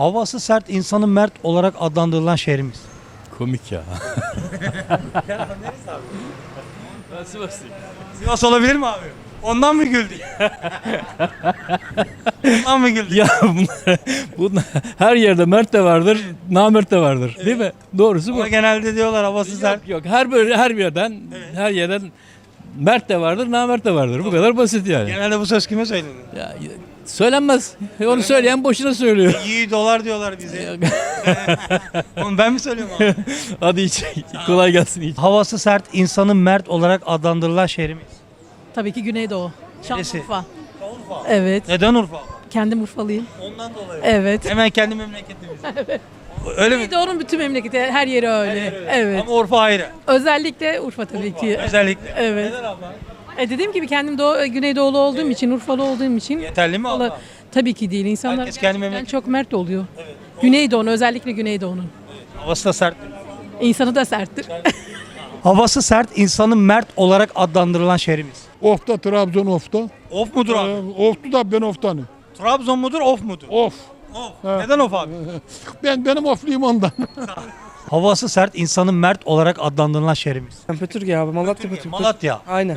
Havası sert, insanı mert olarak adlandırılan şehrimiz. Komik ya. Sivas olabilir mi abi? Ondan mı güldün? Ondan mı güldün? Ya bunlar her yerde mert de vardır, namert de vardır. Değil mi? Doğrusu bu. Ama genelde diyorlar havası sert. Yok her yerden mert de vardır, namert de vardır. Bu kadar basit yani. Genelde bu söz kime söylenir? Ya, söylenmez. Onu söyleyen boşuna söylüyor. İyi dolar diyorlar bize. Onu ben mi söylüyorum abi? Hadi iç. Kolay gelsin iç. Havası sert, insanı mert olarak adlandırılan şehrimiz. Tabii ki Güneydoğu. Neresi? Şanlıurfa. Evet. Neden Urfa? Kendim Urfalıyım. Ondan dolayı. Evet. Hemen kendi memleketimiz. Öyle mi? Güneydoğu'nun bütün memleketi, her yeri öyle. Evet. Ama Urfa ayrı. Özellikle Urfa tabii ki. Özellikle. Evet. Neden abla? Dediğim gibi kendim Güneydoğulu olduğum için, Urfalı olduğum için. Yeterli mi abla? Tabii ki değil. İnsanlar Herkes kendi gerçekten memleketi. çok mert oluyor. Güneydoğu'nun, özellikle Güneydoğu'nun. Havası da sert. İnsanı da serttir. Havası sert, insanı mert olarak adlandırılan şehrimiz. Of'ta, Trabzon Of'ta. Of mudur abi? Of'tu da ben Of'tanım. Trabzon mudur, of mudur? Of. Of. Neden of abi? Benim Ofluyum ondan. Havası sert, insanı mert olarak adlandırılan şehrimiz. Pötürge abi, Malatya Pötürge. Malatya. Aynen.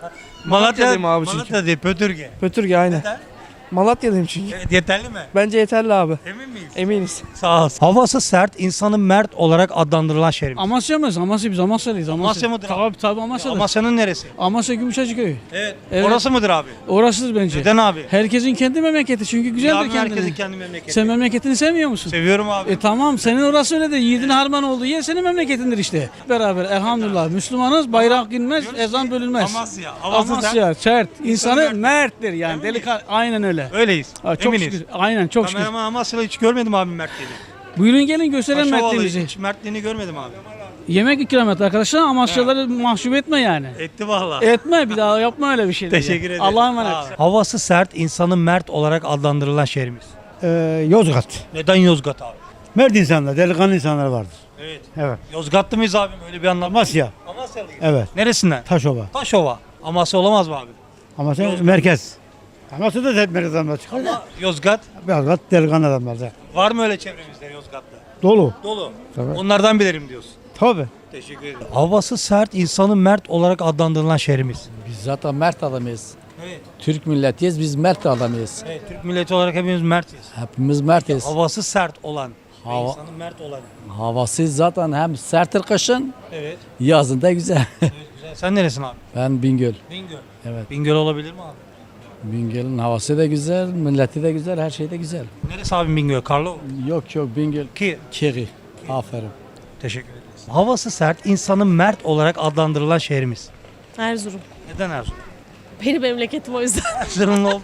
Malatya, Malatya'dayım abi çünkü. Malatya değil, Pötürge. Pötürge aynen. Neden? Malatya'dayım çünkü. Evet, yeterli mi? Bence yeterli abi. Emin miyiz? Eminiz. Sağ ol. Havası sert, insanı mert olarak adlandırılan şehrimiz. Amasya mıyız? Amasya biz Amasyalıyız. Amasya mıdır abi? Tabii Amasya'da. Amasya'nın neresi? Amasya Gümüşhacı köyü. Evet. Evet. Orası mıdır abi? Orasıdır bence. Neden abi? Herkesin kendi memleketi çünkü Ya güzeldir abi, kendine. herkesin kendi memleketi. Sen memleketini sevmiyor musun? Seviyorum abi. Tamam senin orası öyle de yiğidin harman olduğu yer senin memleketindir işte. Beraber elhamdülillah Müslümanız, bayrak inmez, ezan bölünmez. Amasya. Havası Amasya sert. İnsanı mert. merttir yani. Emin miyiz? Delikanlı. Aynen öyle. Öyleyiz. Ha, çok Eminiz. şükür. Aynen çok şükür. Kameraman Amasya'da hiç görmedim abi mertliğini. Buyurun gelin gösterelim Paşa vallahi mertliğimizi. hiç mertliğini görmedim abi. Yemek ikram et arkadaşlar. Amasyaları mahcup etme yani. Etti valla. Etme bir daha yapma öyle bir şey. Teşekkür ederim. Allah'a emanet. Sağ ol. Havası sert, insanı mert olarak adlandırılan şehrimiz. Yozgat. Neden Yozgat abi? Mert insanlar, delikanlı insanlar vardır. Evet. Evet. Yozgatlı mıyız abim? Öyle bir anlam. Amasya. Amasyalıyız. Evet. Neresinden? Taşova. Taşova. Amasya olamaz mı abi? Amasya merkez. Amasya da merkez adamlar çıkar. Yozgat. Yozgat delikanlı adamlar da. Var mı öyle çevremizde Yozgatlı? Dolu. Dolu. Tabii. Onlardan bilirim diyorsun. Tabii. Teşekkür ederim. Havası sert, insanı mert olarak adlandırılan şehrimiz. Biz zaten mert adamıyız. Evet. Türk milletiyiz, biz mert adamıyız. Evet. Türk milleti olarak hepimiz mertiz. Hepimiz mertiz. Havası sert olan. ve Hava- insanı mert olan. Havası zaten hem serttir kışın, Evet. yazın da güzel. Evet güzel. Sen neresin abi? Ben Bingöl. Bingöl. Evet. Bingöl olabilir mi abi? Bingöl'ün havası da güzel, milleti de güzel, her şey de güzel. Neresi abi Bingöl? Karlova. Yok Bingöl. Ki. Kiri. Aferin. Teşekkür ederiz. Havası sert, insanı mert olarak adlandırılan şehrimiz. Erzurum. Neden Erzurum? Benim memleketim o yüzden. Erzurumlu oldu.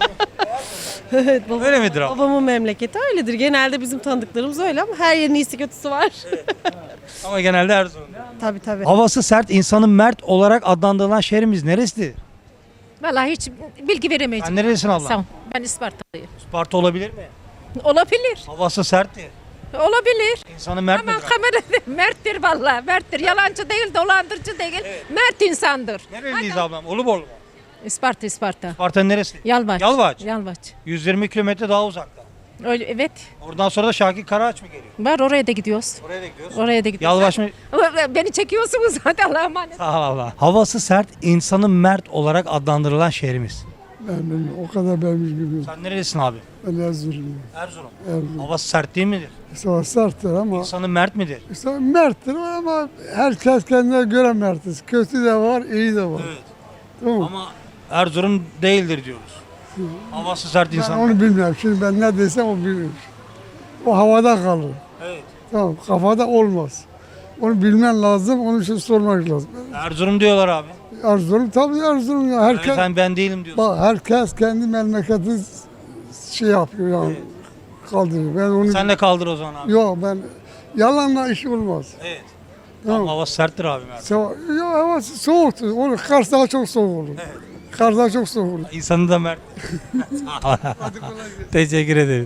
Evet, Öyle midir abi? babamın memleketi öyledir. Genelde bizim tanıdıklarımız öyle ama her yerin iyisi kötüsü var. Ama genelde Erzurum. Tabii tabii. Havası sert, insanı mert olarak adlandırılan şehrimiz neresidir? Vallahi hiç bilgi veremeyeceğim. Sen neresin abla? Sağ ol. Ben Ispartalıyım. Isparta olabilir mi? Olabilir. Havası serttir. Olabilir. İnsanı mert Ama midir? kamerada merttir vallahi. Merttir. Yalancı değil, dolandırıcı değil. Mert insandır. Nereliyiz ablam? Uluborlu mu? Isparta, Isparta. Isparta'nın neresi? Yalvaç. Yalvaç. Yalvaç. 120 kilometre daha uzakta. Öyle, evet. Oradan sonra da Şakir Karaağaç mı geliyor? Var oraya da gidiyoruz. Oraya da gidiyoruz. Oraya da gidiyoruz. Yalvaç mı? Ama beni çekiyorsunuz hadi Allah'a emanet. Sağ ol Allah. Havası sert, insanı mert olarak adlandırılan şehrimiz. Ben o kadar ben bilmiyorum. Sen nerelisin abi? Ben Erzurumluyum. Erzurum. Erzurum. Havası sert değil midir? Savaş serttir ama İnsanı mert midir? işte merttir ama herkes kendine göre mertiz. Kötü de var, iyi de var. Evet. Tamam mı? Ama Erzurum değildir diyoruz. Havası sert Ben insan. onu bilmiyorum. Şimdi ben ne desem o bilir. O havada kalır. Evet. Tamam, kafada olmaz. Onu bilmen lazım, onun için sormak lazım. Erzurum diyorlar abi. Erzurum, tabii Erzurum ya. Yani Herkes, sen ben değilim diyorsun. bak, herkes kendi memleketi şey yapıyor yani. Kaldırıyor. Ben onu... Sen de kaldır o zaman abi. Yok ben... Yalanla iş olmaz. Evet. Tamam. Ama havası serttir abi. Mert. Yok hava soğuktur. Onu Kars daha çok soğuk olur. Kars daha çok soğuk olur. İnsanı da mert. Teşekkür ederim.